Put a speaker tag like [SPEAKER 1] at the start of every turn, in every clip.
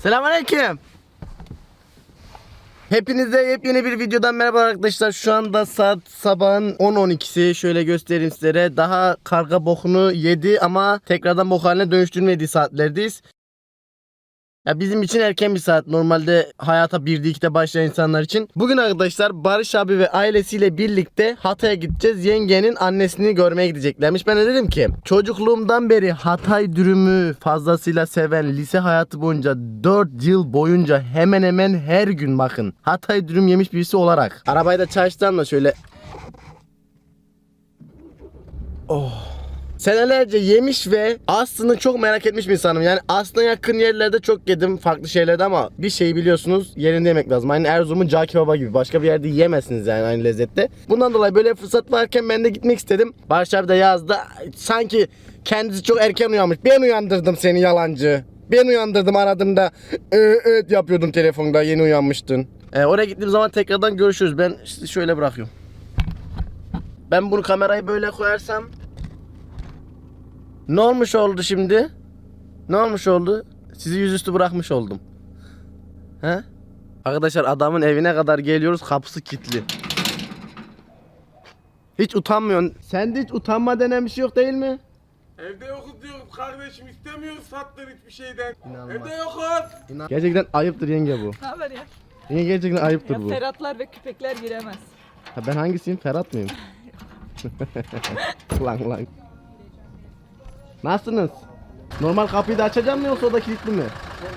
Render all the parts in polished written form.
[SPEAKER 1] Selamünaleyküm. Hepinize yepyeni bir videodan merhaba arkadaşlar. Şu anda saat sabahın 10-12'si. Şöyle göstereyim sizlere. Daha karga bokunu yedi ama tekrardan bok haline dönüştürmediği saatlerdeyiz. Ya bizim için erken bir saat. Normalde hayata 1'de 2'de başlayan insanlar için. Bugün arkadaşlar Barış abi ve ailesiyle birlikte Hatay'a gideceğiz. Yengenin annesini görmeye gideceklermiş. Ben de dedim ki çocukluğumdan beri Hatay dürümü fazlasıyla seven, lise hayatı boyunca 4 yıl boyunca hemen hemen her gün bakın Hatay dürüm yemiş birisi olarak. Arabayı da çalıştıran da şöyle. Senelerce yemiş ve aslını çok merak etmiş bir insanım. Yani aslına yakın yerlerde çok yedim, farklı şeylerde, ama bir şey biliyorsunuz, yerinde yemek lazım. Aynı Erzurum'un cağ kebaba gibi. Başka bir yerde yiyemezsiniz yani aynı lezzette. Bundan dolayı böyle fırsat varken ben de gitmek istedim. Barış abi de yazdı. Sanki kendisi çok erken uyanmış. Ben uyandırdım seni yalancı. Ben uyandırdım, aradığımda evet yapıyordum telefonda, yeni uyanmıştın. Oraya gittiğim zaman tekrardan görüşürüz. Ben işte şöyle bırakıyorum. Ben bunu kamerayı böyle koyarsam ne olmuş oldu şimdi? Ne olmuş oldu? Sizi yüzüstü bırakmış oldum. He? Arkadaşlar adamın evine kadar geliyoruz, kapısı kilitli. Hiç utanmıyorsun. Sende hiç utanma denen bir şey yok değil mi?
[SPEAKER 2] Evde yokuz diyoruz kardeşim, istemiyoruz sattın hiçbir şeyden.
[SPEAKER 1] İnanmaz.
[SPEAKER 2] Evde yokuz.
[SPEAKER 1] Gerçekten ayıptır yenge bu.
[SPEAKER 3] Ne haber ya?
[SPEAKER 1] Yenge gerçekten ayıptır
[SPEAKER 3] Ya
[SPEAKER 1] bu.
[SPEAKER 3] Ferhatlar ve küpekler giremez.
[SPEAKER 1] Ha, ben hangisiyim? Ferhat mıyım? Lan. Nasılsınız? Normal kapıyı da açacağım mı yoksa o da kilitli mi?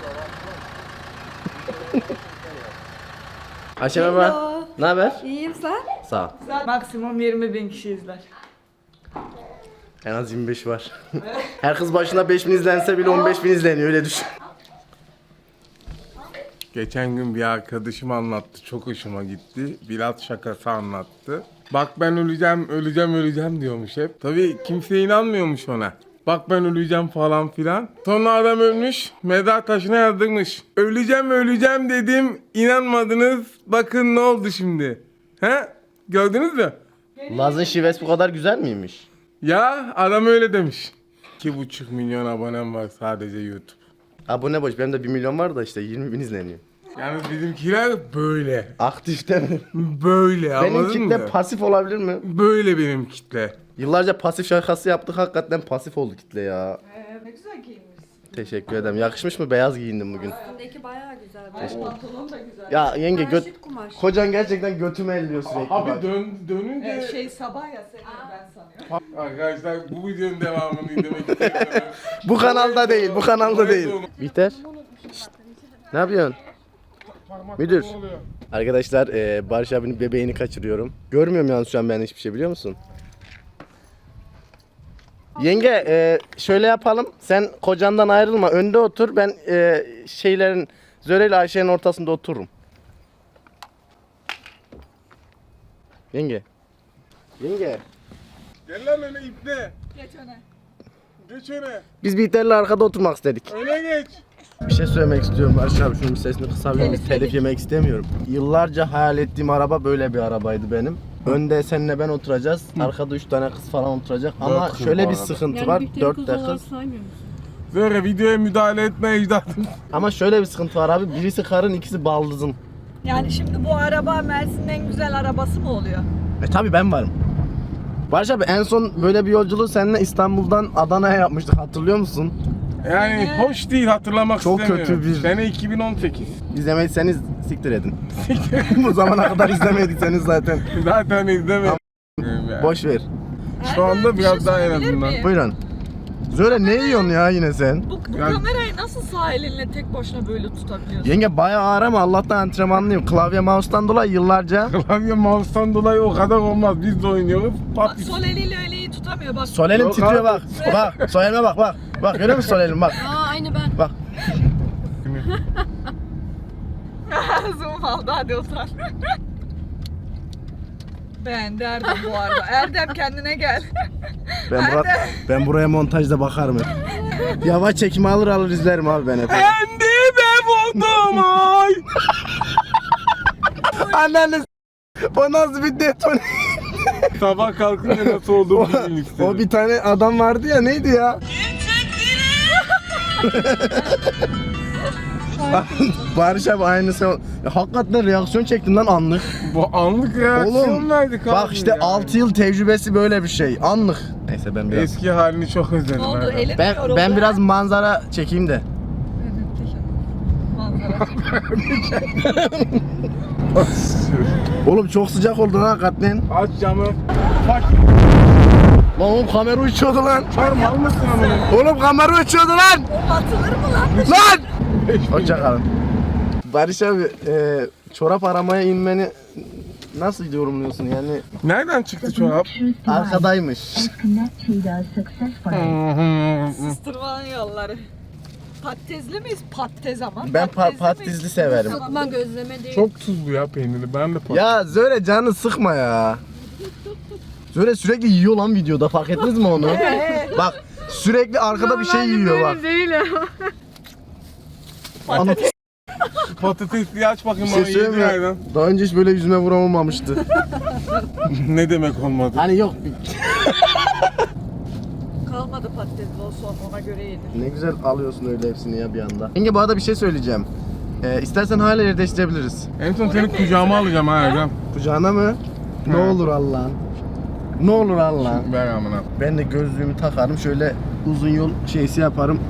[SPEAKER 1] Ayşe merhaba.
[SPEAKER 3] Hello.
[SPEAKER 1] Ne haber?
[SPEAKER 3] İyiyim sen?
[SPEAKER 1] Sağ ol.
[SPEAKER 3] Maksimum 20.000 kişi izler.
[SPEAKER 1] En az 25 var. Her kız başına 5.000 izlense bile 15.000 izleniyor, öyle düşün.
[SPEAKER 2] Geçen gün bir arkadaşım anlattı, çok hoşuma gitti. Biraz şakası anlattı. Bak ben öleceğim diyormuş hep. Tabii kimse inanmıyormuş ona. Bak ben öleceğim falan filan. Sonra adam ölmüş, mezar taşına yazdırmış. Öleceğim dedim, inanmadınız. Bakın ne oldu şimdi. He? Gördünüz mü?
[SPEAKER 1] Laz'ın şivesi bu kadar güzel miymiş?
[SPEAKER 2] Ya adam öyle demiş. 2,5 milyon abonem var sadece YouTube.
[SPEAKER 1] Abone boş, benim de 1 milyon var da işte 20.000 izleniyor.
[SPEAKER 2] Yani bizimkiler böyle.
[SPEAKER 1] Aktif değil mi?
[SPEAKER 2] Böyle,
[SPEAKER 1] Benim
[SPEAKER 2] anladın
[SPEAKER 1] kitle
[SPEAKER 2] mı?
[SPEAKER 1] pasif olabilir mi?
[SPEAKER 2] Böyle benim kitle.
[SPEAKER 1] Yıllarca pasif şakası yaptık, hakikaten pasif oldu kitle ya.
[SPEAKER 3] Ne güzel giyinmişsin.
[SPEAKER 1] Teşekkür ederim. Yakışmış mı? Beyaz giyindim bugün.
[SPEAKER 4] Üstündeki bayağı güzel.
[SPEAKER 3] Pantolon da güzel.
[SPEAKER 1] Ya yenge
[SPEAKER 4] Paraşüt kumaş.
[SPEAKER 1] kocan gerçekten götümü elliyor sürekli.
[SPEAKER 2] Abi
[SPEAKER 1] bak.
[SPEAKER 2] dönünce...
[SPEAKER 3] Sabah ya senin ben sanıyorum.
[SPEAKER 2] Arkadaşlar bu videonun devamını izlemek istiyorum.
[SPEAKER 1] Bu kanalda değil, bu kanalda değil. Bihter. Şşt. Ne yapıyorsun? Müdür. Arkadaşlar Barış abinin bebeğini kaçırıyorum. Görmüyorum yalnız şu an ben hiçbir şey, biliyor musun? Yenge şöyle yapalım. Sen kocandan ayrılma. Önde otur. Ben Zöre ile Ayşe'nin ortasında otururum. Yenge. Yenge.
[SPEAKER 2] Gel lan öne ipne.
[SPEAKER 3] Geç öne.
[SPEAKER 2] Geç öne.
[SPEAKER 1] Biz Bihter'le arkada oturmak istedik.
[SPEAKER 2] Öne geç.
[SPEAKER 1] Bir şey söylemek istiyorum Barış abi. Şunun bir sesini kısabilir miyiz? Telif yemek istemiyorum. Yıllarca hayal ettiğim araba böyle bir arabaydı benim. Önde seninle ben oturacağız. Arkada 3 tane kız falan oturacak. Ama
[SPEAKER 2] kız
[SPEAKER 1] şöyle
[SPEAKER 2] bu
[SPEAKER 1] bir
[SPEAKER 2] arada.
[SPEAKER 1] sıkıntı var. 4 de kız.
[SPEAKER 4] saymıyor musun?
[SPEAKER 2] Böyle videoya müdahale etme ecdadım.
[SPEAKER 1] Ama şöyle bir sıkıntı var abi. Birisi karın, ikisi baldızın.
[SPEAKER 3] Yani şimdi bu araba Mersin'in en güzel arabası mı oluyor?
[SPEAKER 1] Tabii ben varım. Barış abi en son böyle bir yolculuğu seninle İstanbul'dan Adana'ya yapmıştık. Hatırlıyor musun?
[SPEAKER 2] Yani hoş değil, hatırlamak
[SPEAKER 1] Çok
[SPEAKER 2] istemiyorum.
[SPEAKER 1] kötü bir-
[SPEAKER 2] Sene 2018.
[SPEAKER 1] İzlemediyseniz siktir edin. Bu zamana kadar izlemediyseniz zaten
[SPEAKER 2] Zaten izlemedim.
[SPEAKER 1] boş ver.
[SPEAKER 2] Şu anda
[SPEAKER 3] Bir
[SPEAKER 2] biraz
[SPEAKER 3] şey
[SPEAKER 2] daha en
[SPEAKER 3] sorabilir
[SPEAKER 2] azından.
[SPEAKER 3] miyim?
[SPEAKER 1] Buyurun. Zöre ne yiyorsun ya yine sen?
[SPEAKER 3] Bu
[SPEAKER 2] Yani-
[SPEAKER 3] kamerayı nasıl sağ elinle tek başına böyle tutabiliyorsun?
[SPEAKER 1] Yenge bayağı ağır ama Allah'tan antrenmanlıyım. Klavye mouse'tan dolayı yıllarca.
[SPEAKER 2] Klavye mouse'tan dolayı o kadar olmaz. Biz de oynuyoruz.
[SPEAKER 3] Bak,
[SPEAKER 2] Pat.
[SPEAKER 3] sol eliyle öyle iyi tutamıyor bak.
[SPEAKER 1] Sol elim
[SPEAKER 2] Yok
[SPEAKER 1] titriyor
[SPEAKER 2] abi.
[SPEAKER 1] bak. Bak sol elime bak. Bak görüyor musun sol elim bak.
[SPEAKER 4] Aa aynı ben.
[SPEAKER 1] Bak.
[SPEAKER 3] Zoom aldı, hadi otur. Beğendi Erdem bu arada. Erdem kendine gel.
[SPEAKER 1] Ben buraya montajda bakarım hep. Yavaş çekimi alır izlerim abi ben hep.
[SPEAKER 2] Kendime buldum ay.
[SPEAKER 1] Anneanne o nasıl bir detone?
[SPEAKER 2] Sabah kalkınca nasıl olduğumu bilmek istedim.
[SPEAKER 1] O bir tane adam vardı ya, neydi ya? Barış abi aynısı. Ya, hakikaten reaksiyon çektim lan anlık.
[SPEAKER 2] Bu anlık reaksiyon
[SPEAKER 1] Oğlum
[SPEAKER 2] verdik abi.
[SPEAKER 1] bak işte
[SPEAKER 2] yani.
[SPEAKER 1] 6 yıl tecrübesi böyle bir şey. Anlık. Neyse ben biraz
[SPEAKER 2] Eski halini çok özledim.
[SPEAKER 3] Ne oldu?
[SPEAKER 2] Erdem.
[SPEAKER 3] Elim
[SPEAKER 1] ben
[SPEAKER 3] yoruldu.
[SPEAKER 1] biraz manzara çekeyim de.
[SPEAKER 3] Manzara.
[SPEAKER 1] Oğlum çok sıcak oldu lan hakikaten.
[SPEAKER 2] Aç camı. Bak.
[SPEAKER 1] Lan oğlum kamera uçuyordu lan.
[SPEAKER 2] Çarm almışsın amına.
[SPEAKER 1] Oğlum kamera uçuyordu lan.
[SPEAKER 3] Atılır mı lan?
[SPEAKER 1] Lan! Hoşçakalın. Barış abi çorap aramaya inmeni nasıl yorumluyorsun yani?
[SPEAKER 2] Nereden çıktı çorap?
[SPEAKER 1] Arkadaymış.
[SPEAKER 3] Sustırmanın yolları. Patatesli miyiz? Patates ama.
[SPEAKER 1] Ben
[SPEAKER 3] Patatesli
[SPEAKER 1] patatesli
[SPEAKER 3] miyiz?
[SPEAKER 1] severim.
[SPEAKER 4] Sıkma gözleme değil.
[SPEAKER 2] Çok tuzlu ya peyniri. Ben de
[SPEAKER 1] Ya Zöre canı sıkma ya. Zöre sürekli yiyor lan videoda fark ettiniz mi onu? Bak sürekli arkada bir şey yiyor bak.
[SPEAKER 4] Değil ya.
[SPEAKER 1] Ana
[SPEAKER 2] patatesli aç bakayım
[SPEAKER 1] bir
[SPEAKER 2] bana
[SPEAKER 1] şey söyleyeyim
[SPEAKER 2] yedi yerden.
[SPEAKER 1] mi? Daha önce hiç böyle yüzüme vuramamıştı.
[SPEAKER 2] Ne demek olmadı?
[SPEAKER 1] Hani yok
[SPEAKER 3] Kalmadı patatesli o son ona göre yedir.
[SPEAKER 1] ne güzel alıyorsun öyle hepsini ya bir anda. Yenge bu arada bir şey söyleyeceğim. İstersen hala yer değiştirebiliriz.
[SPEAKER 2] En son seni kucağıma alacağım ha Erdem.
[SPEAKER 1] Kucağına mı? Ne
[SPEAKER 2] Ha.
[SPEAKER 1] olur Allah'ın. Ne olur Allah'ın.
[SPEAKER 2] Ver amına.
[SPEAKER 1] Ben de gözlüğümü takarım şöyle uzun yol şeysi yaparım.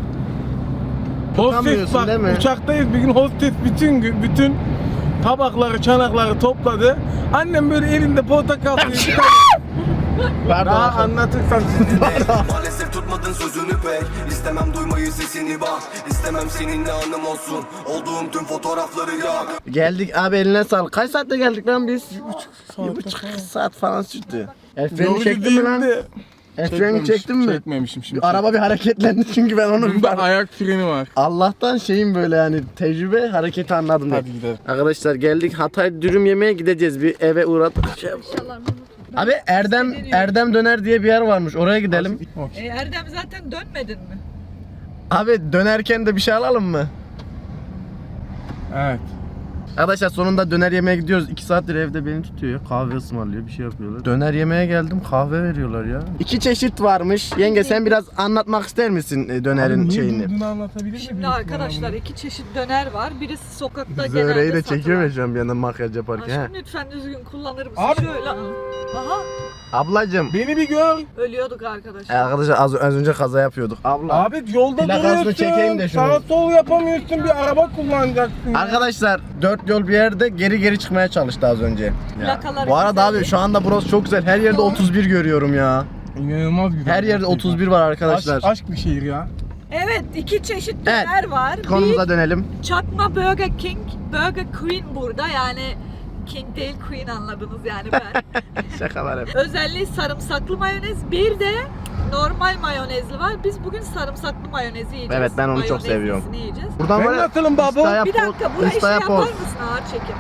[SPEAKER 2] Hostes
[SPEAKER 1] Tutamıyorsun
[SPEAKER 2] bak
[SPEAKER 1] değil mi?
[SPEAKER 2] uçaktayız bir gün hostes bütün tabakları çanakları topladı. Annem böyle elinde portakal suyu
[SPEAKER 1] Pardon.
[SPEAKER 2] daha anlatırsan siz
[SPEAKER 5] Maalesef tutmadın sözünü pek İstemem duymayı sesini bak İstemem seninle anım olsun Olduğum tüm fotoğrafları yak
[SPEAKER 1] Geldik abi eline sağlık. Kaç saatte geldik lan biz? 1,5 saat falan sürdü. El freni çektin mi lan? El freni çektin mi?
[SPEAKER 2] Çekmemişim şimdi.
[SPEAKER 1] Araba bir hareketlendi çünkü ben onu
[SPEAKER 2] Bunda ayak freni var.
[SPEAKER 1] Allah'tan şeyim böyle yani tecrübe hareketi anladım.
[SPEAKER 2] Hadi
[SPEAKER 1] ben.
[SPEAKER 2] gidelim.
[SPEAKER 1] Arkadaşlar geldik Hatay dürüm yemeye gideceğiz bir eve uğradık. Abi Erdem döner diye bir yer varmış oraya gidelim.
[SPEAKER 3] Erdem zaten dönmedin mi?
[SPEAKER 1] Abi dönerken de bir şey alalım mı?
[SPEAKER 2] Evet.
[SPEAKER 1] Arkadaşlar sonunda döner yemeye gidiyoruz. 2 saattir evde beni tutuyor ya. Kahve ısmarlıyor, bir şey yapıyorlar. Döner yemeye geldim, kahve veriyorlar ya. 2 çeşit varmış. Yenge sen biraz anlatmak ister misin dönerin şeyini?
[SPEAKER 2] Durduğunu anlatabilir miyim?
[SPEAKER 3] Şimdi arkadaşlar iki çeşit döner var. Birisi sokakta
[SPEAKER 1] Zöreyi
[SPEAKER 3] genelde
[SPEAKER 1] de çekiyor
[SPEAKER 3] satılan.
[SPEAKER 1] ya şu an bir yandan makyaj yaparken.
[SPEAKER 3] Aşkım lütfen düzgün kullanır mısın?
[SPEAKER 2] Abi.
[SPEAKER 3] Şöyle. Aha
[SPEAKER 1] Ablacım.
[SPEAKER 2] Beni bir gör.
[SPEAKER 3] ölüyorduk arkadaşlar.
[SPEAKER 1] Arkadaşlar az önce kaza yapıyorduk. Abla.
[SPEAKER 2] Abi yolda
[SPEAKER 1] Plakasını
[SPEAKER 2] duruyorsun.
[SPEAKER 1] çekeyim de şunu.
[SPEAKER 2] Sağ sol yapamıyorsun bir araba kullanacaksın. ya.
[SPEAKER 1] Arkadaşlar 4 yol bir yerde geri çıkmaya çalıştı az önce. Ya.
[SPEAKER 3] Plakaları
[SPEAKER 1] Bu arada
[SPEAKER 3] güzel.
[SPEAKER 1] abi şu anda burası çok güzel. Her yerde 31 görüyorum ya.
[SPEAKER 2] İnanılmaz güzel.
[SPEAKER 1] Her yerde
[SPEAKER 2] gerçekten.
[SPEAKER 1] 31 var arkadaşlar.
[SPEAKER 2] Aşk bir şehir ya.
[SPEAKER 3] Evet iki çeşit
[SPEAKER 1] Evet.
[SPEAKER 3] döner var.
[SPEAKER 1] Konumuza dönelim.
[SPEAKER 3] Bir çakma Burger King, Burger Queen burada yani King değil Queen anladınız yani ben.
[SPEAKER 1] Şakalar hep.
[SPEAKER 3] Özelliği sarımsaklı mayonez. Bir de normal mayonezli var. Biz bugün sarımsaklı mayonezi yiyeceğiz.
[SPEAKER 1] Evet, ben onu çok
[SPEAKER 3] Mayonezlisini
[SPEAKER 1] seviyorum.
[SPEAKER 3] Yiyeceğiz.
[SPEAKER 1] Buradan
[SPEAKER 2] Ben
[SPEAKER 1] var ya,
[SPEAKER 2] nasılım baba?
[SPEAKER 1] Insta'ya
[SPEAKER 3] Bir dakika burayı şey
[SPEAKER 1] Insta'ya
[SPEAKER 3] yapar
[SPEAKER 1] poz.
[SPEAKER 3] mısın ağır çekim?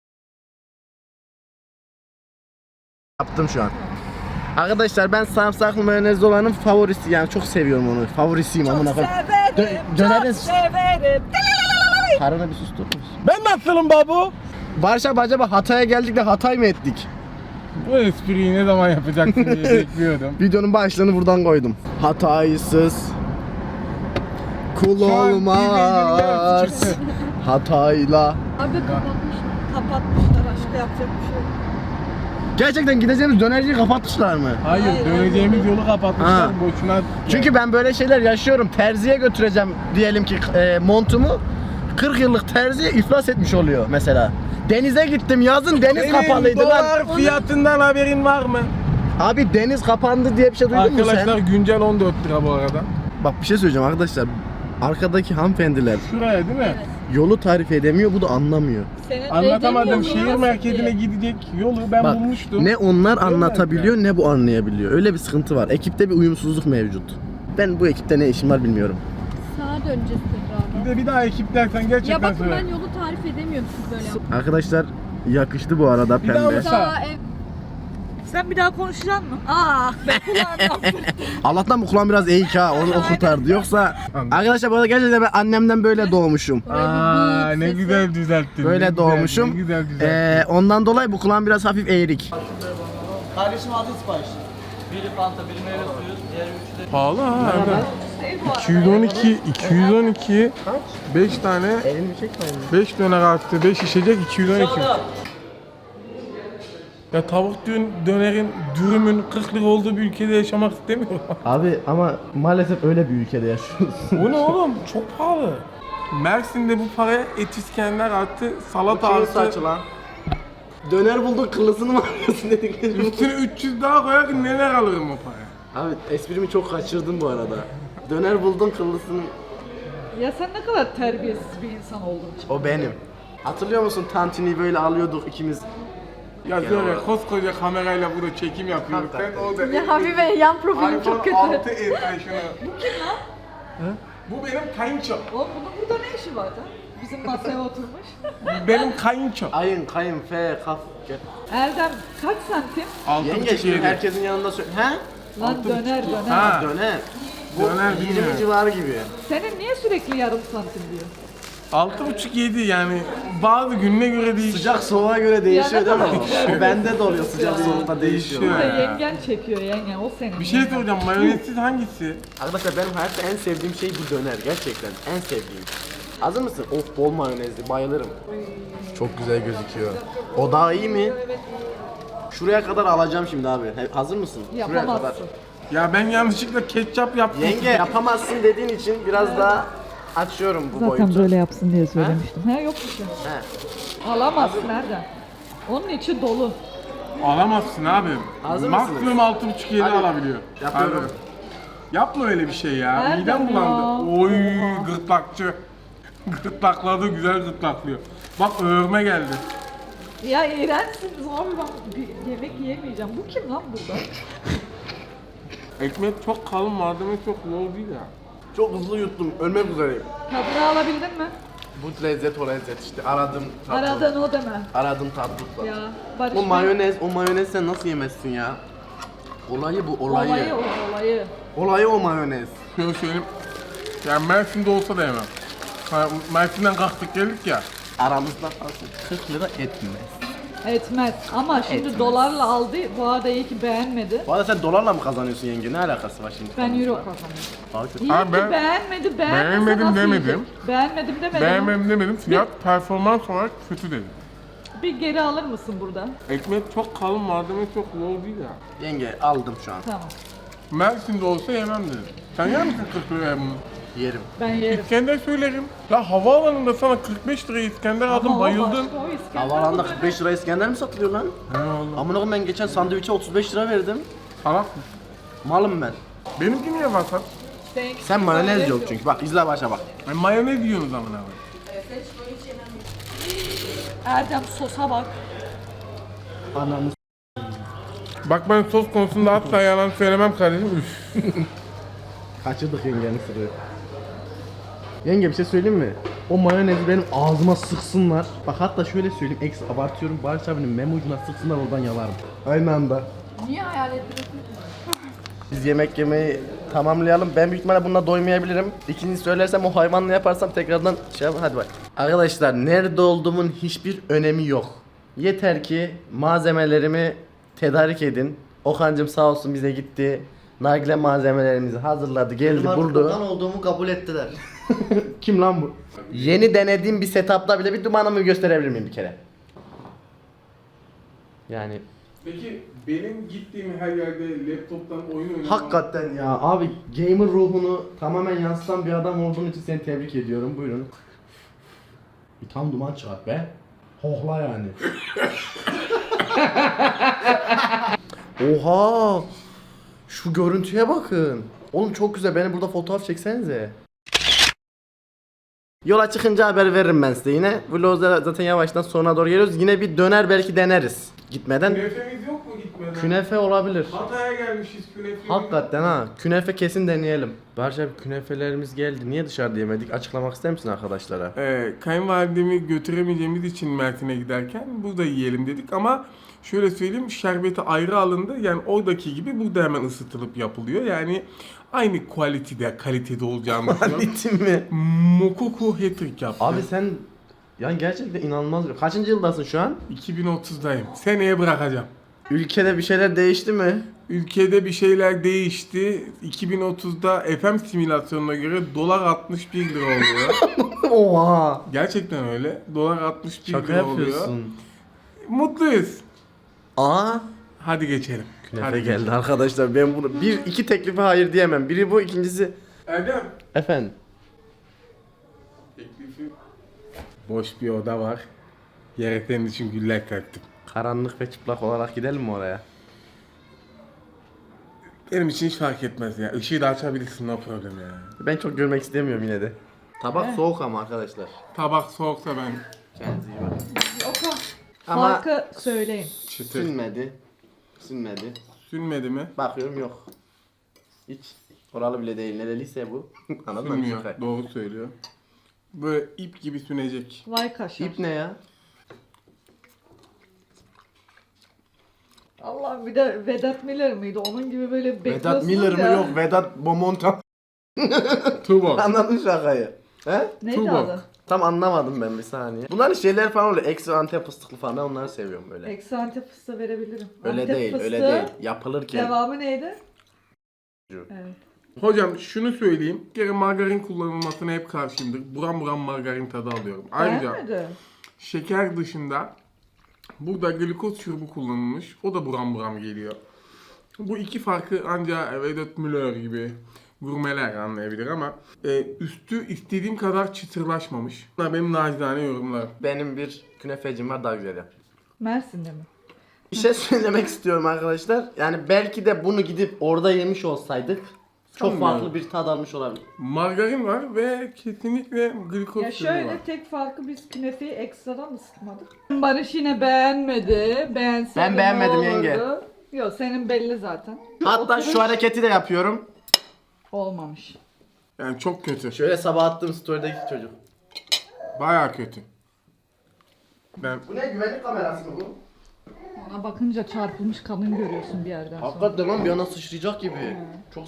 [SPEAKER 1] Yaptım şu an. Arkadaşlar ben sarımsaklı mayonezli olanın favorisi yani çok seviyorum onu. Favorisiyim
[SPEAKER 3] Çok
[SPEAKER 1] amına koyayım.
[SPEAKER 3] severim,
[SPEAKER 1] Dönerin
[SPEAKER 3] çok severim.
[SPEAKER 1] karını bir susturur musun?
[SPEAKER 2] Ben nasılım baba?
[SPEAKER 1] Barış abi acaba Hatay'a geldik de Hatay mı ettik?
[SPEAKER 2] Bu espriyi ne zaman yapacaksın diye bekliyordum.
[SPEAKER 1] Videonun başlığını buradan koydum. Hataysız kul
[SPEAKER 2] Şu an
[SPEAKER 1] olmaz.
[SPEAKER 2] izleyicilerin yarısı
[SPEAKER 1] Hatayla.
[SPEAKER 4] Abi kapatmışlar.
[SPEAKER 3] Kapatmışlar aşkı yapacak bir şey yok.
[SPEAKER 1] Gerçekten gideceğimiz dönerciyi kapatmışlar mı?
[SPEAKER 2] Hayır,
[SPEAKER 3] Hayır,
[SPEAKER 2] döneceğimiz
[SPEAKER 3] hayır.
[SPEAKER 2] yolu kapatmışlar
[SPEAKER 1] Ha.
[SPEAKER 2] boşuna.
[SPEAKER 1] Çünkü ben böyle şeyler yaşıyorum. Terziye götüreceğim diyelim ki montumu. 40 yıllık terzi iflas etmiş oluyor mesela. Denize gittim yazın deniz
[SPEAKER 2] Senin
[SPEAKER 1] kapalıydı
[SPEAKER 2] dolar
[SPEAKER 1] lan.
[SPEAKER 2] fiyatından haberin var mı?
[SPEAKER 1] Abi deniz kapandı diye bir şey duydun mu
[SPEAKER 2] Arkadaşlar
[SPEAKER 1] sen?
[SPEAKER 2] güncel 14 lira bu arada.
[SPEAKER 1] Bak bir şey söyleyeceğim arkadaşlar. Arkadaki hanımefendiler
[SPEAKER 2] Şuraya değil mi?
[SPEAKER 1] yolu tarif edemiyor, bu da anlamıyor.
[SPEAKER 3] Senin
[SPEAKER 2] Anlatamadım.
[SPEAKER 3] dediğin
[SPEAKER 2] Şehir
[SPEAKER 3] yolu
[SPEAKER 2] merkezine
[SPEAKER 3] nasıl
[SPEAKER 2] gidecek yolu ben
[SPEAKER 1] Bak
[SPEAKER 2] bulmuştum.
[SPEAKER 1] ne onlar
[SPEAKER 2] Görmez
[SPEAKER 1] anlatabiliyor ne bu anlayabiliyor. Öyle bir sıkıntı var. Ekipte bir uyumsuzluk mevcut. Ben bu ekipte ne işim var bilmiyorum.
[SPEAKER 4] Sağa döneceğiz tekrardan.
[SPEAKER 2] Bir daha ekip dersen gerçekten
[SPEAKER 4] Ya bakın
[SPEAKER 2] söyle.
[SPEAKER 4] ben yolu tarif edemiyorum siz böyle yapın.
[SPEAKER 1] Arkadaşlar yakıştı bu arada
[SPEAKER 2] Bir daha
[SPEAKER 1] pembe.
[SPEAKER 2] mı?
[SPEAKER 4] Sağa ev.
[SPEAKER 3] Sen bir daha konuşacaksın mı? Aa ben kulağımdan
[SPEAKER 1] Allah'tan bu kulağım biraz eğik ha onu o kurtardı. Yoksa
[SPEAKER 2] Anladım.
[SPEAKER 1] arkadaşlar bu arada gerçekten ben annemden böyle doğmuşum.
[SPEAKER 2] Aa
[SPEAKER 4] bir
[SPEAKER 2] ne
[SPEAKER 4] sesi.
[SPEAKER 2] güzel düzelttin. ne
[SPEAKER 1] Böyle
[SPEAKER 2] güzel,
[SPEAKER 1] doğmuşum.
[SPEAKER 2] Ne güzel düzelttin.
[SPEAKER 1] Ondan dolayı bu kulağım biraz hafif eğrik.
[SPEAKER 6] Kardeşim aldı sipariş. Biri Fanta, biri meyve suyu, diğeri üçü de
[SPEAKER 2] Pahalı ha. Erdem.
[SPEAKER 3] değil bu arada.
[SPEAKER 2] 212 5 tane
[SPEAKER 1] Elini çekmeyin.
[SPEAKER 2] 5 döner artı 5 içecek 212. Ya tavuk dönerin dürümün 40 lira olduğu bir ülkede yaşamak istemiyorum.
[SPEAKER 1] Abi ama maalesef öyle bir ülkede yaşıyoruz.
[SPEAKER 2] Bu ne oğlum? Çok pahalı. Mersin'de bu paraya et İskender artı salata artı
[SPEAKER 1] lan. Döner bulduk kıllısını mı alıyorsun dediklerim.
[SPEAKER 2] üstüne 300 daha koyarken neler alırım o paraya?
[SPEAKER 1] Abi esprimi çok kaçırdın bu arada. Döner buldun kıllısını.
[SPEAKER 3] Ya sen ne kadar terbiyesiz bir insan oldun.
[SPEAKER 1] O benim. Hatırlıyor musun tantini böyle alıyorduk ikimiz.
[SPEAKER 2] Ya şöyle koskoca kamerayla burada çekim yapıyoruz. Ben orada
[SPEAKER 3] Ya Habibe yan profilim çok kötü.
[SPEAKER 2] 6 et ben şunu. Bu kim lan? Bu benim kayınço.
[SPEAKER 3] Oğlum bunun burada ne işi var da? Bizim masaya oturmuş.
[SPEAKER 2] Benim kayınço.
[SPEAKER 1] Kayın, fe, kaf. Gel.
[SPEAKER 3] Erdem kaç santim?
[SPEAKER 2] 6,5
[SPEAKER 1] Yenge şimdi
[SPEAKER 2] yedi.
[SPEAKER 1] herkesin yanında söyle. He?
[SPEAKER 3] Lan döner.
[SPEAKER 2] Ha.
[SPEAKER 1] Döner. Bu
[SPEAKER 2] Döner
[SPEAKER 1] 20
[SPEAKER 2] bilmiyorum.
[SPEAKER 1] civarı gibi.
[SPEAKER 3] Senin niye sürekli yarım santim diyor?
[SPEAKER 2] 6,5 7 yani bazı gününe göre değişiyor.
[SPEAKER 1] Sıcak soğuğa göre değişiyor
[SPEAKER 3] Ya
[SPEAKER 1] değil
[SPEAKER 3] ne
[SPEAKER 1] mi?
[SPEAKER 3] kadar-
[SPEAKER 1] O bende de oluyor sıcak soğukta değişiyor.
[SPEAKER 2] Değişiyor.
[SPEAKER 3] Burada
[SPEAKER 2] Ha.
[SPEAKER 3] yengen çekiyor yengen o senin.
[SPEAKER 2] Bir şey soracağım, mayonezsiz hangisi?
[SPEAKER 1] Arkadaşlar benim hayatta en sevdiğim şey bu döner gerçekten en sevdiğim. Hazır mısın? Of bol mayonezli bayılırım. Çok güzel gözüküyor. O daha iyi mi? Şuraya kadar alacağım şimdi abi. Hazır mısın? Şuraya kadar.
[SPEAKER 3] Yapamazsın.
[SPEAKER 2] Ya ben yanlışlıkla ketçap yaptım.
[SPEAKER 1] Yenge yapamazsın dediğin için biraz daha açıyorum bu boyutu.
[SPEAKER 3] böyle yapsın diye söylemiştim. Ha yok bir şey.
[SPEAKER 1] He.
[SPEAKER 3] Alamazsın Erdem. Onun içi dolu.
[SPEAKER 2] Alamazsın abi.
[SPEAKER 1] Hazır
[SPEAKER 2] Maksimum
[SPEAKER 1] mısınız?
[SPEAKER 2] 6,5 7
[SPEAKER 1] Hadi.
[SPEAKER 2] alabiliyor.
[SPEAKER 1] Yapıyorum.
[SPEAKER 2] Hadi. Yapma öyle bir şey ya.
[SPEAKER 3] Nereden
[SPEAKER 2] Midem
[SPEAKER 3] ya?
[SPEAKER 2] bulandı. Oy gırtlakçı. Gırtlakladı, güzel gırtlaklıyor. Bak öğürme geldi.
[SPEAKER 3] Ya iğrençsiniz abi ben bir yemek yiyemeyeceğim. Bu kim lan burada?
[SPEAKER 2] Ekmek çok kalın, malzeme çok low değil ya.
[SPEAKER 1] Çok hızlı yuttum. Ölmek üzereyim.
[SPEAKER 3] Tadını alabildin mi?
[SPEAKER 1] Bu lezzet o lezzet işte. Aradım tatlı.
[SPEAKER 3] Aradığın o deme.
[SPEAKER 1] Aradım tatlıkla.
[SPEAKER 3] Ya Barış
[SPEAKER 1] O
[SPEAKER 3] Bey-
[SPEAKER 1] mayonez sen nasıl yemezsin ya? Olayı bu olayı.
[SPEAKER 3] Olayı.
[SPEAKER 1] O mayonez.
[SPEAKER 2] Şöyle söyleyeyim. Yani Mersin'de olsa da yemem. Ha, Mersin'den kalktık geldik ya.
[SPEAKER 1] Aramızda kalsın 40 lira etmez.
[SPEAKER 3] Etmez. Ama şimdi
[SPEAKER 1] Etmez.
[SPEAKER 3] dolarla aldı. Bu arada iyi ki beğenmedi.
[SPEAKER 1] Bu arada sen dolarla mı kazanıyorsun yenge? Ne alakası var şimdi?
[SPEAKER 3] Ben euro kazandım.
[SPEAKER 1] Daha kötü.
[SPEAKER 3] İyi
[SPEAKER 2] Abi
[SPEAKER 3] ki
[SPEAKER 2] ben-
[SPEAKER 3] beğenmedi.
[SPEAKER 2] Beğenmedim
[SPEAKER 3] nasıl
[SPEAKER 2] demedim.
[SPEAKER 3] yiyecek? Beğenmedim demedim.
[SPEAKER 2] Beğenmem demedim. Fiyat performans olarak kötü dedim.
[SPEAKER 3] Bir geri alır mısın burada?
[SPEAKER 2] Ekmek çok kalın, malzeme çok low değil ya.
[SPEAKER 1] Yenge aldım şu an.
[SPEAKER 3] Tamam.
[SPEAKER 2] Mersin'de olsa yemem dedim. Sen yer misin 40 liraya bunu?
[SPEAKER 1] Yerim.
[SPEAKER 3] Ben yerim.
[SPEAKER 2] İskender söylerim. Ya havaalanında sana 45 liraya İskender aldım,
[SPEAKER 3] Ama o
[SPEAKER 2] bayıldın.
[SPEAKER 3] başka, o İskender
[SPEAKER 1] Havalanda
[SPEAKER 3] bu
[SPEAKER 1] 45 lira İskender mi satılıyor lan?
[SPEAKER 2] He oğlum.
[SPEAKER 1] Amına koyayım ben geçen sandviçe 35 lira verdim.
[SPEAKER 2] Salak mı?
[SPEAKER 1] Malım ben.
[SPEAKER 2] Benimki niye vasat?
[SPEAKER 3] Seninki
[SPEAKER 1] Sen mayonez
[SPEAKER 3] yok.
[SPEAKER 1] yok çünkü. Bak izle başa bak.
[SPEAKER 2] Mayonez yiyorsunuz amına koyayım.
[SPEAKER 3] Erdem sosa bak.
[SPEAKER 1] Ananı
[SPEAKER 2] Bak ben sos konusunda asla yalan söylemem kardeşim. Üf.
[SPEAKER 1] kaçırdık yengenin sırrı. Yenge bir şey söyleyeyim mi? O mayonezi benim ağzıma sıksınlar. Bak hatta şöyle söyleyeyim, eks abartıyorum. Barış abinin meme ucuna sıksınlar oradan yalarım. Aynı anda.
[SPEAKER 4] Niye hayal ediyorsun?
[SPEAKER 1] Biz yemek yemeyi tamamlayalım. Ben büyük ihtimalle bununla doymayabilirim. İkincisi söylersem o hayvanla yaparsam tekrardan şey yap. Hadi bak. Arkadaşlar nerede olduğumun hiçbir önemi yok. Yeter ki malzemelerimi tedarik edin. Okan'cım sağ olsun bize gitti. Nargile malzemelerimizi hazırladı, geldi, buldu.
[SPEAKER 6] olduğumu kabul ettiler.
[SPEAKER 1] Kim lan bu? Yeni denediğim bir setup'ta bile bir dumanımı gösterebilir miyim bir kere? Yani
[SPEAKER 2] Peki benim gittiğim her yerde laptoptan oyun oynamam.
[SPEAKER 1] hakikaten ya abi gamer ruhunu tamamen yansıtan bir adam olduğun için seni tebrik ediyorum. Buyurun. Bir tam duman çıkart be. Hohla yani. Oha! Şu görüntüye bakın. Oğlum çok güzel. Beni burada fotoğraf çeksenize. Yola çıkınca haber veririm ben size yine. Vlog'a zaten yavaştan sonuna doğru geliyoruz. Yine bir döner belki deneriz. Gitmeden.
[SPEAKER 2] Künefemiz yok mu gitmeden?
[SPEAKER 1] Künefe olabilir.
[SPEAKER 2] Hatay'a gelmişiz künefe.
[SPEAKER 1] Hakikaten ha. Künefe kesin deneyelim. Barış abi künefelerimiz geldi. Niye dışarıda yemedik? Açıklamak ister misin arkadaşlara?
[SPEAKER 2] Kayınvalidemi götüremeyeceğimiz için Mersin'e giderken burada yiyelim dedik ama şöyle söyleyeyim, şerbeti ayrı alındı. Yani oradaki gibi burada hemen ısıtılıp yapılıyor. Yani aynı kalitede olacağını düşünüyorum.
[SPEAKER 1] Bitti mi?
[SPEAKER 2] Mokoku hat-trick yaptı.
[SPEAKER 1] Abi sen yani gerçekten inanılmaz. Kaçıncı yıldasın şu an?
[SPEAKER 2] 2030'dayım. Seneye bırakacağım.
[SPEAKER 1] Ülkede bir şeyler değişti mi?
[SPEAKER 2] Ülkede bir şeyler değişti. 2030'da FM simülasyonuna göre dolar 61 lira oluyor.
[SPEAKER 1] Oha.
[SPEAKER 2] Gerçekten öyle. Dolar 61
[SPEAKER 1] Şaka
[SPEAKER 2] lira oluyor.
[SPEAKER 1] yapıyorsun.
[SPEAKER 2] Mutluyuz.
[SPEAKER 1] Aa.
[SPEAKER 2] Hadi geçelim.
[SPEAKER 1] Künefe
[SPEAKER 2] Hadi
[SPEAKER 1] geldi arkadaşlar. Ben bunu iki teklife hayır diyemem. Biri bu, ikincisi
[SPEAKER 2] Erdem.
[SPEAKER 1] efendim.
[SPEAKER 2] Teklifi. Boş bir oda var. Yere senin için güller kattım.
[SPEAKER 1] Karanlık ve çıplak olarak gidelim mi oraya?
[SPEAKER 2] Benim için hiç fark etmez ya. Işığı da açabilirsin, no problem ya.
[SPEAKER 1] Ben çok görmek istemiyorum yine de. Tabak soğuk ama arkadaşlar.
[SPEAKER 2] Tabak soğuksa ben
[SPEAKER 1] Kendinize iyi bakın.
[SPEAKER 3] Oka.
[SPEAKER 1] Ama
[SPEAKER 3] Farkı söyleyin.
[SPEAKER 2] çıtır.
[SPEAKER 1] sünmedi. Sünmedi.
[SPEAKER 2] Sünmedi mi?
[SPEAKER 1] Bakıyorum yok. Hiç oralı bile değil. Nereliyse bu. Anladın mı?
[SPEAKER 2] Sünmüyor. Doğru söylüyor. Böyle ip gibi sünecek.
[SPEAKER 3] Vay kaşar.
[SPEAKER 1] İp ne ya?
[SPEAKER 3] Allah bir de Vedat Miller miydi? Onun gibi böyle bekliyorsunuz
[SPEAKER 1] Vedat Miller mi
[SPEAKER 3] ya.
[SPEAKER 1] yok? Vedat Bomonta.
[SPEAKER 2] Tuğbak.
[SPEAKER 1] Anladın şakayı. He?
[SPEAKER 3] Neydi
[SPEAKER 2] Tuğbak.
[SPEAKER 3] adı?
[SPEAKER 1] Tam anlamadım ben bir saniye. Bunların şeyler falan oluyor. Ekstra antep fıstıklı falan. Ben onları seviyorum böyle.
[SPEAKER 3] Eksi Antep fıstığı verebilirim.
[SPEAKER 1] Öyle
[SPEAKER 3] Antep
[SPEAKER 1] değil, öyle
[SPEAKER 3] fıstığı,
[SPEAKER 1] değil. Yapılırken.
[SPEAKER 3] Devamı neydi? Evet.
[SPEAKER 2] Hocam şunu söyleyeyim. Bir kere margarin kullanılmasına hep karşıyımdır. Buram buram margarin tadı alıyorum. Ayrıca
[SPEAKER 3] Beğenmedin.
[SPEAKER 2] şeker dışında burada glikoz şurubu kullanılmış. O da buram buram geliyor. Bu iki farkı ancak Vedat Milor gibi gurmeler anlayabilir ama üstü istediğim kadar çıtırlaşmamış. Bunlar benim nacizane yorumlarım.
[SPEAKER 1] Benim bir künefecim var, daha güzel yapıyor.
[SPEAKER 3] Mersin'de mi?
[SPEAKER 1] Bir şey söylemek istiyorum arkadaşlar. Yani belki de bunu gidip orada yemiş olsaydık çok
[SPEAKER 2] Sanmıyorum.
[SPEAKER 1] farklı bir tad almış olabilir.
[SPEAKER 2] Margarin var ve kesinlikle glikoz
[SPEAKER 3] Ya
[SPEAKER 2] şurubu var.
[SPEAKER 3] şöyle tek farkı biz künefeyi ekstradan ısıtmadık. Barış yine beğenmedi. Beğenseydi
[SPEAKER 1] Ben beğenmedim
[SPEAKER 3] ne olurdu?
[SPEAKER 1] yenge.
[SPEAKER 3] Yok senin belli zaten.
[SPEAKER 1] Hatta
[SPEAKER 3] Oturuş
[SPEAKER 1] şu hareketi de yapıyorum.
[SPEAKER 3] olmamış.
[SPEAKER 2] Yani çok kötü.
[SPEAKER 1] Şöyle sabah attığım story'deki çocuk.
[SPEAKER 2] Bayağı kötü. Ben
[SPEAKER 1] Bu ne, güvenlik kamerası mı bu?
[SPEAKER 3] Ona bakınca çarpılmış kadın görüyorsun bir yerden sonra.
[SPEAKER 1] Hakikaten lan bir yana sıçrayacak gibi. Çok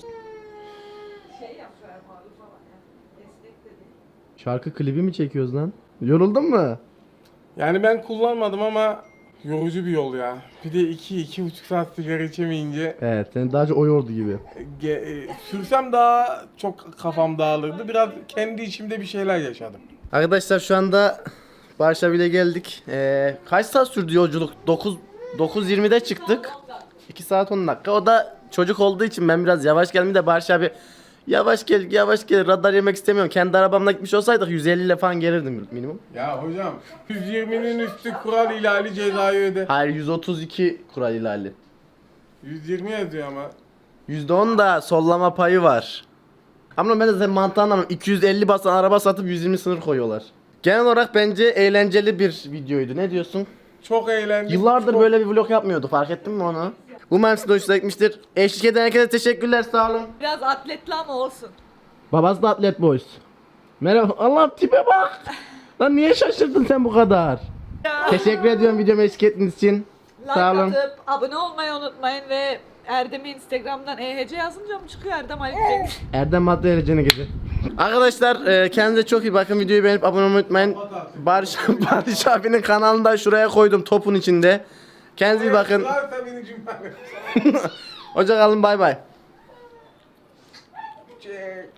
[SPEAKER 1] Şarkı klibi mi çekiyoruz lan? Yoruldun mu?
[SPEAKER 2] yani ben kullanmadım ama yorucu bir yol ya. Bir de 2-2,5 saat sigara içemeyince
[SPEAKER 1] Evet, seni daha çok o yordu gibi.
[SPEAKER 2] sürsem daha çok kafam dağılırdı. Biraz kendi içimde bir şeyler yaşadım.
[SPEAKER 1] Arkadaşlar şu anda Barış'a bile geldik. Kaç saat sürdü yolculuk? 9:20'de çıktık. 2 saat 10 dakika. O da çocuk olduğu için ben biraz yavaş geldim de Barış abi yavaş gel radar yemek istemiyorum. Kendi arabamla gitmiş olsaydık 150 ile falan gelirdim minimum.
[SPEAKER 2] Ya hocam 120'nin üstü kural ihlali cezayı öde.
[SPEAKER 1] Hayır 132 kural ihlali.
[SPEAKER 2] 120 yazıyor ama.
[SPEAKER 1] %10 da sollama payı var. Ama ben de senin mantığını anlamıyorum. 250 basan araba satıp 120 sınır koyuyorlar. Genel olarak bence eğlenceli bir videoydu. Ne diyorsun?
[SPEAKER 2] Çok eğlendik.
[SPEAKER 1] Yıllardır
[SPEAKER 2] çok...
[SPEAKER 1] böyle bir vlog yapmıyordu. Fark ettin mi onu? Umarım size hoşuna gitmiştir. Eşlik eden herkese teşekkürler. Sağ olun.
[SPEAKER 3] Biraz atletli ama olsun.
[SPEAKER 1] Babası da Atlet Boys. Merhaba. Allah tipe bak. Lan niye şaşırdın sen bu kadar? Teşekkür ediyorum videomu eşlik ettiğiniz için.
[SPEAKER 3] Like
[SPEAKER 1] Sağ olun.
[SPEAKER 3] atıp abone olmayı unutmayın ve Erdem'i Instagram'dan EHC yazınca mı çıkıyor Erdem Ali Cengiz?
[SPEAKER 1] Erdem Madde Erecene gece. Arkadaşlar kendinize çok iyi bakın. Videoyu beğenip abone olmayı unutmayın. Barış abinin kanalını da şuraya koydum topun içinde. Kendinize iyi bakın.
[SPEAKER 2] Varsa beni cümle.
[SPEAKER 1] Hoşça kalın, bay bay.
[SPEAKER 2] Çek.